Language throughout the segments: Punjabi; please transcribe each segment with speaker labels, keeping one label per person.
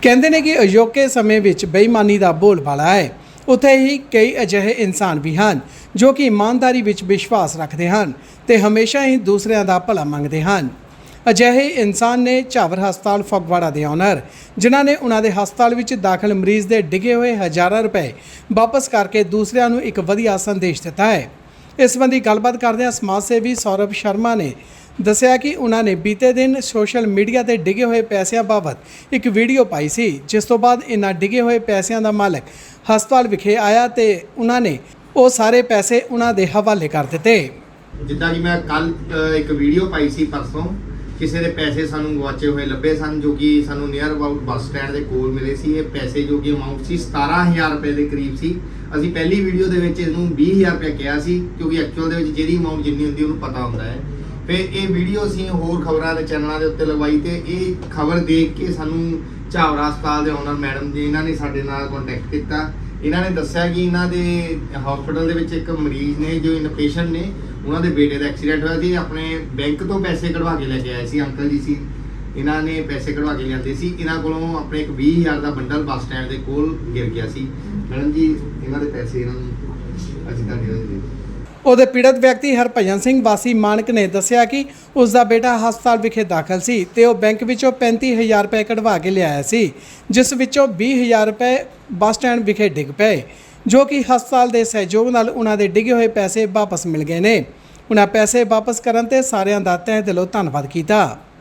Speaker 1: ਕਹਿੰਦੇ ਨੇ ਕਿ ਅਜੋਕੇ ਸਮੇਂ ਵਿੱਚ ਬੇਈਮਾਨੀ ਦਾ ਬੋਲਬਾਲਾ ਹੈ। ਉੱਥੇ ਹੀ ਕਈ ਅਜਿਹੇ ਇਨਸਾਨ ਵੀ ਹਨ ਜੋ ਕਿ ਇਮਾਨਦਾਰੀ ਵਿੱਚ ਵਿਸ਼ਵਾਸ ਰੱਖਦੇ ਹਨ ਤੇ ਹਮੇਸ਼ਾ ਹੀ ਦੂਸਰਿਆਂ ਦਾ ਭਲਾ ਮੰਗਦੇ ਹਨ। ਅਜਿਹੇ ਇਨਸਾਨ ਨੇ ਝਾਵਰ ਹਸਪਤਾਲ ਫਗਵਾੜਾ ਦੇ ਓਨਰ, ਜਿਨ੍ਹਾਂ ਨੇ ਉਹਨਾਂ ਦੇ ਹਸਪਤਾਲ ਵਿੱਚ ਦਾਖਲ ਮਰੀਜ਼ ਦੇ ਡਿੱਗੇ ਹੋਏ ਹਜ਼ਾਰਾਂ ਰੁਪਏ ਵਾਪਸ ਕਰਕੇ ਦੂਸਰਿਆਂ ਨੂੰ ਇੱਕ ਵਧੀਆ ਸੰਦੇਸ਼ ਦਿੱਤਾ ਹੈ। ਇਸ ਸੰਬੰਧੀ ਗੱਲਬਾਤ ਕਰਦਿਆਂ ਸਮਾਜ ਸੇਵੀ ਸੌਰਭ ਸ਼ਰਮਾ ਨੇ ਦੱਸਿਆ ਕਿ ਉਹਨਾਂ ਨੇ ਬੀਤੇ ਦਿਨ ਸੋਸ਼ਲ ਮੀਡੀਆ ਤੇ ਡਿੱਗੇ ਹੋਏ ਪੈਸਿਆਂ ਬਾਬਤ ਇੱਕ ਵੀਡੀਓ ਪਾਈ ਸੀ, ਜਿਸ ਤੋਂ ਬਾਅਦ ਇਹਨਾਂ ਡਿੱਗੇ ਹੋਏ ਪੈਸਿਆਂ ਦਾ ਮਾਲਕ ਹਸਪਤਾਲ ਵਿਖੇ ਆਇਆ ਤੇ ਉਹਨਾਂ ਨੇ ਉਹ ਸਾਰੇ ਪੈਸੇ ਉਹਨਾਂ ਦੇ ਹਵਾਲੇ ਕਰ ਦਿੱਤੇ।
Speaker 2: ਜਿੱਦਾਂ ਕਿ ਮੈਂ ਕੱਲ ਇੱਕ ਵੀਡੀਓ ਪਾਈ ਸੀ परसों, ਕਿਸੇ ਦੇ ਪੈਸੇ ਸਾਨੂੰ ਗਵਾਚੇ ਹੋਏ ਲੱਭੇ ਸਨ ਜੋ ਕਿ ਸਾਨੂੰ ਨੀਅਰ ਅਬਾਊਟ ਬੱਸ ਸਟੈਂਡ ਦੇ ਕੋਲ ਮਿਲੇ ਸੀ। ਇਹ ਪੈਸੇ ਜੋ ਕਿ ਅਮਾਉਂਟ ਸੀ 17000 ਰੁਪਏ ਦੇ ਕਰੀਬ ਸੀ। ਅਸੀਂ ਪਹਿਲੀ ਵੀਡੀਓ ਦੇ ਵਿੱਚ ਇਹਨੂੰ 20000 ਰੁਪਏ ਕਿਹਾ ਸੀ, ਕਿਉਂਕਿ ਐਕਚੁਅਲ ਦੇ ਵਿੱਚ ਜਿਹੜੀ ਅਮਾਉਂਟ ਜਿੰਨੀ ਹੁੰਦੀ ਉਹਨੂੰ ਪਤਾ ਹੁੰਦਾ ਹੈ। ਫਿਰ ਇਹ ਵੀਡੀਓ ਅਸੀਂ ਹੋਰ ਖਬਰਾਂ ਦੇ ਚੈਨਲਾਂ ਦੇ ਉੱਤੇ ਲਗਵਾਈ ਤੇ ਇਹ ਖਬਰ ਦੇਖ ਕੇ ਸਾਨੂੰ ਝਾਵਰ ਹਸਪਤਾਲ ਦੇ ਓਨਰ ਮੈਡਮ ਜੀ ਇਹਨਾਂ ਨੇ ਸਾਡੇ ਨਾਲ ਕੰਟੈਕਟ ਕੀਤਾ। ਇਹਨਾਂ ਨੇ ਦੱਸਿਆ ਕਿ ਇਹਨਾਂ ਦੇ ਹਸਪੀਟਲ ਦੇ ਵਿੱਚ ਇੱਕ ਮਰੀਜ਼ ਨੇ ਜੋ ਇਨਪੇਸ਼ੈਂਟ ਨੇ, ਉਹਨਾਂ ਦੇ ਬੇਟੇ ਦਾ ਐਕਸੀਡੈਂਟ ਹੋਇਆ ਸੀ। ਆਪਣੇ ਬੈਂਕ ਤੋਂ ਪੈਸੇ ਕਢਵਾ ਕੇ ਲੈ ਕੇ ਆਏ ਸੀ, ਅੰਕਲ ਜੀ ਸੀ, ਇਹਨਾਂ ਨੇ ਪੈਸੇ ਕਢਵਾ ਕੇ ਲਿਆਂਦੇ ਸੀ। ਇਹਨਾਂ ਕੋਲੋਂ ਆਪਣੇ ਇੱਕ 20000 ਦਾ ਬੰਡਲ ਬੱਸ ਸਟੈਂਡ ਦੇ ਕੋਲ ਗਿਰ ਗਿਆ ਸੀ। ਮੈਡਮ ਜੀ ਇਹਨਾਂ ਦੇ ਪੈਸੇ ਇਹਨਾਂ ਨੂੰ ਅਸੀਂ ਤੁਹਾਡੇ
Speaker 1: ਉਹਦੇ ਪੀੜਤ ਵਿਅਕਤੀ ਹਰਭਜਨ ਸਿੰਘ ਵਾਸੀ ਮਾਨਕ ਨੇ ਦੱਸਿਆ ਕਿ ਉਸ ਦਾ ਬੇਟਾ ਹਸਪਤਾਲ ਵਿਖੇ ਦਾਖਲ ਸੀ ਤੇ ਉਹ ਬੈਂਕ ਵਿੱਚੋਂ 35000 ਰੁਪਏ ਕਢਵਾ ਕੇ ਲਿਆਇਆ ਸੀ, ਜਿਸ ਵਿੱਚੋਂ 20000 ਰੁਪਏ ਬੱਸ ਸਟੈਂਡ ਵਿਖੇ ਡਿੱਗ ਪਏ, ਜੋ ਕਿ ਹਸਪਤਾਲ ਦੇ ਸਹਿਯੋਗ ਨਾਲ ਉਹਨਾਂ ਦੇ ਡਿੱਗੇ ਹੋਏ ਪੈਸੇ ਵਾਪਸ ਮਿਲ ਗਏ ਨੇ। ਉਹਨਾਂ ਪੈਸੇ ਵਾਪਸ ਕਰਨ ਤੇ ਸਾਰਿਆਂ ਦਾ ਤਹਿ ਦਿਲੋਂ ਧੰਨਵਾਦ ਕੀਤਾ।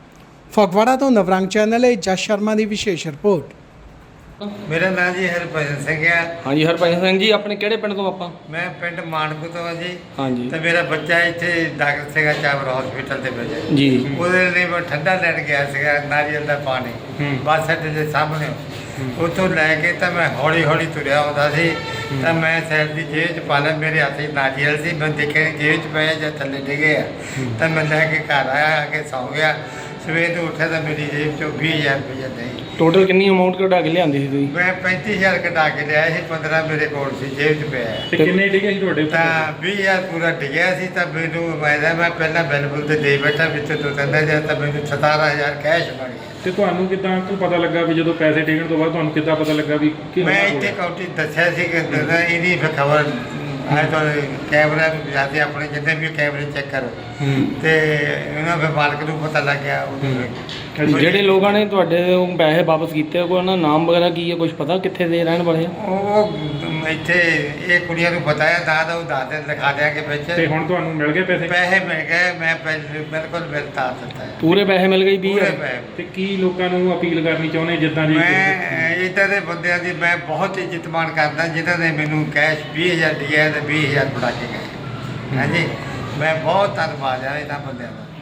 Speaker 1: ਫਗਵਾੜਾ ਤੋਂ ਨਵਰੰਗ ਚੈਨਲ ਲਈ ਜਸ ਸ਼ਰਮਾ ਦੀ ਵਿਸ਼ੇਸ਼ ਰਿਪੋਰਟ।
Speaker 3: ਮੇਰਾ ਨਾਮ ਜੀ ਹਰਭਜਨ ਸਿੰਘ ਹੈ।
Speaker 4: ਹਾਂਜੀ ਹਰਭਜਨ ਸਿੰਘ ਜੀ, ਆਪਣੇ ਕਿਹੜੇ ਪਿੰਡ ਤੋਂ ਆਪਾਂ?
Speaker 3: ਮੈਂ ਪਿੰਡ ਮਾਨਕੂ ਤੋਂ ਹਾਂ ਜੀ।
Speaker 4: ਹਾਂਜੀ
Speaker 3: ਤੇ ਮੇਰਾ ਬੱਚਾ ਇੱਥੇ ਦਾਖਲ ਸੀਗਾ ਝਾਵਰ ਹਸਪੀਟਲ ਦੇ ਵਿੱਚ
Speaker 4: ਜੀ।
Speaker 3: ਉਹਦੇ ਲਈ ਮੈਂ ਠੰਡਾ ਲੈਣ ਗਿਆ ਸੀਗਾ, ਨਾਰੀਅਲ ਦਾ ਪਾਣੀ ਬੱਸ ਅੱਡੇ ਦੇ ਸਾਹਮਣੇ। ਉੱਥੋਂ ਲੈ ਕੇ ਤਾਂ ਮੈਂ ਹੌਲੀ ਹੌਲੀ ਤੁਰਿਆ ਆਉਂਦਾ ਸੀ ਤਾਂ ਮੈਂ ਸਾਈਡ ਦੀ ਜੇਬ 'ਚ ਪਾ ਲਿਆ, ਮੇਰੇ ਹੱਥ 'ਚ ਨਾਰੀਅਲ ਸੀ। ਮੈਂ ਦੇਖਿਆ ਜੇਬ 'ਚ ਪਏ ਜਾਂ ਥੱਲੇ ਡਿੱਗੇ ਆ ਤਾਂ ਮੈਂ ਲੈ ਕੇ ਘਰ ਆਇਆ, ਆ ਕੇ ਸੌਂ ਗਿਆ। ਸਵੇਰ ਨੂੰ ਉੱਠਿਆ ਤਾਂ ਮੇਰੀ ਜੇਬ 'ਚੋਂ 20000 ਰੁਪਏ ਨਹੀਂ।
Speaker 4: ਟੋਟਲ ਕਿੰਨੀ ਅਮਾਉਂਟ ਕਢਾ ਕੇ ਲਿਆਂਦੀ ਸੀ ਤੁਸੀਂ?
Speaker 3: ਮੈਂ 35000 ਕਢਾ ਕੇ ਲਿਆਇਆ ਸੀ, 15 ਮੇਰੇ ਕੋਲ ਸੀ ਜੇਬ 'ਚ ਪਿਆ।
Speaker 4: ਤੇ ਕਿੰਨੇ ਡਿੱਗੇ ਸੀ ਤੁਹਾਡੇ?
Speaker 3: ਤਾਂ 20000 ਪੂਰਾ ਡਿੱਗਿਆ ਸੀ। ਤਾਂ ਮੈਨੂੰ ਮੈਂ ਪਹਿਲਾਂ ਬਿਲਕੁਲ ਤੇ ਦੇ ਬੈਠਾ, ਵਿੱਚ 2-3000 ਤਾਂ ਮੈਨੂੰ 17000 ਕੈਸ਼ ਬਣ ਗਿਆ।
Speaker 5: ਤੇ ਤੁਹਾਨੂੰ ਕਿੱਦਾਂ ਪਤਾ ਲੱਗਾ ਵੀ ਜਦੋਂ ਪੈਸੇ ਡਿੱਗਣ ਤੋਂ ਬਾਅਦ ਤੁਹਾਨੂੰ ਕਿੱਦਾਂ ਪਤਾ ਲੱਗਾ ਵੀ ਕਿ
Speaker 3: ਮੈਂ ਇੱਥੇ ਕਾਊਂਟੀ ਦੱਸਿਆ ਸੀ ਕਿ ਇਹਦੀ ਫਿਰ ਖਬਰ ਆਏ ਤਾਂ ਕੈਮਰਾ ਜਾਂਦੇ ਆਪਣੇ ਜਿੰਨੇ ਵੀ ਕੈਮਰੇ ਚੈੱਕ ਕਰੋ ਤੇ ਉਹਨਾਂ ਫਿਰ ਮਾਲਕ ਨੂੰ ਪਤਾ ਲੱਗ ਗਿਆ।
Speaker 4: ਜਿਹੜੇ ਲੋਕਾਂ ਨੇ ਤੁਹਾਡੇ ਤੋਂ ਪੈਸੇ ਵਾਪਸ ਕੀਤੇ, ਕੋਈ ਉਹਨਾਂ ਦਾ ਨਾਮ ਵਗੈਰਾ ਕੀ ਹੈ, ਕੁਝ ਪਤਾ ਕਿੱਥੇ ਦੇ ਰਹਿਣ ਵਾਲੇ ਆ?
Speaker 3: ਉਹ ਇੱਥੇ ਇਹ ਕੁੜੀਆਂ ਨੂੰ ਬਤਾਇਆ ਤਾਂ ਉਹ ਦੱਸ ਦੇ ਲਿਖਾ ਦਿਆਂਗੇ ਵਿੱਚ।
Speaker 5: ਤੇ ਹੁਣ ਤੁਹਾਨੂੰ ਮਿਲ ਗਏ ਪੈਸੇ?
Speaker 3: ਪੈਸੇ ਮਿਲ ਗਏ, ਮੈਂ ਬਿਲਕੁਲ ਮਿਲਤਾ ਦਿੱਤਾ ਹੈ।
Speaker 4: ਪੂਰੇ ਪੈਸੇ ਮਿਲ ਗਏ? 20,000?
Speaker 5: ਤੇ ਕੀ ਲੋਕਾਂ ਨੂੰ ਅਪੀਲ ਕਰਨੀ ਚਾਹੁੰਦੇ ਜਿੱਦਾਂ ਦੀ?
Speaker 3: ਮੈਂ ਇੱਦਾਂ ਦੇ ਬੰਦਿਆਂ ਦੀ ਮੈਂ ਬਹੁਤ ਇੱਜ਼ਤ ਮਾਣ ਕਰਦਾ ਜਿਨ੍ਹਾਂ ਨੇ ਮੈਨੂੰ ਕੈਸ਼ 20000 ਦਿਆ ਤੇ 20000 ਬਣਾ ਕੇ ਗਏ। ਹਾਂਜੀ, ਮੈਂ ਬਹੁਤ ਧੰਨਵਾਦ ਆ ਇਹਨਾਂ ਬੰਦਿਆਂ ਦਾ।